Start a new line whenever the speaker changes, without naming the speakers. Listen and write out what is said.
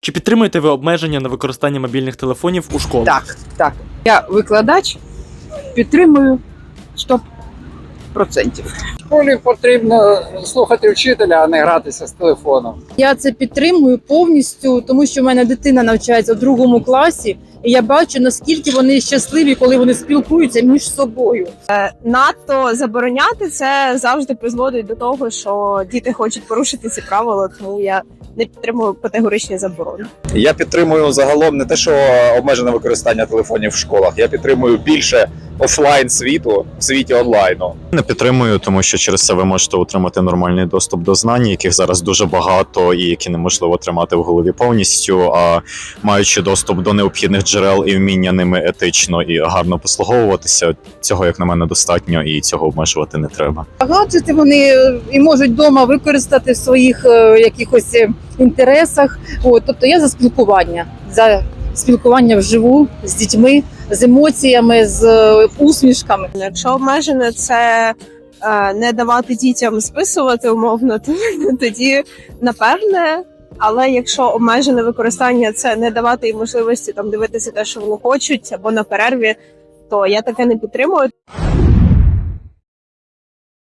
Чи підтримуєте ви обмеження на використання мобільних телефонів у школах?
Так. Я викладач, підтримую 100%.
В школі потрібно слухати вчителя, а не гратися з телефоном.
Я це підтримую повністю, тому що в мене дитина навчається в 2 класі, і я бачу, наскільки вони щасливі, коли вони спілкуються між собою.
Надто забороняти це завжди призводить до того, що діти хочуть порушити ці правила, тому я не підтримую категоричні заборони.
Я підтримую загалом не те, що обмежене використання телефонів в школах. Я підтримую більше офлайн світу в світі онлайну.
Не підтримую, тому що через це ви можете отримати нормальний доступ до знань, яких зараз дуже багато і які неможливо тримати в голові повністю. А маючи доступ до необхідних джерел і вміння ними етично і гарно послуговуватися, цього, як на мене, достатньо, і цього обмежувати не треба.
Гаджети вони і можуть вдома використати в своїх якихось інтересах. Тобто я за спілкування вживу з дітьми, з емоціями, з усмішками.
Якщо обмежене це не давати дітям списувати умовно, то тоді напевне. Але якщо обмежене використання це не давати їм можливості там дивитися те, що вони хочуть, або на перерві, то я таке не підтримую.